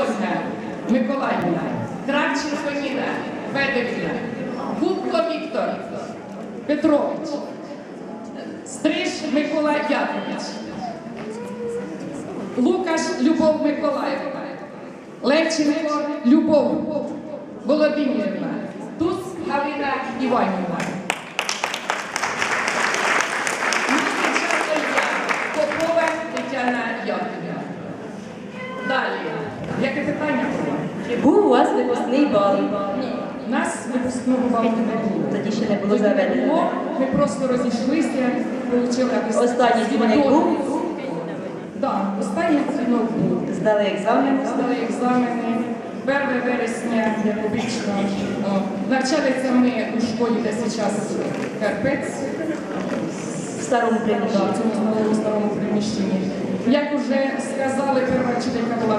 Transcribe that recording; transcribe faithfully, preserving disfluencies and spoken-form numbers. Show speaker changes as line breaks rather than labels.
Ольга Миколаївна, Кравченко Ніна Федорівна, Губко Віктор Петрович, Стриж Микола Якович, Лукаш Любов Миколаївна, Левченко Любов Володимирівна, Туз Галина Іванівна. Попова Тетяна Яковлевна. Далі. Яке питання було?
Чи був у вас випускний бал?
Ні. У нас випускного балу не було.
Тоді ще не було заведено.
Ми просто розійшлися, отримали
Останній дзвоник був?
Так, останній дзвінок був.
Здали екзамен?
Здали екзамени. перше вересня, як обично. О, навчалися ми у школі, де зараз Карпець.
В старому
Да,
приміщенні.
в цьому новому старому приміщенні. Як вже сказали, перша вчителька була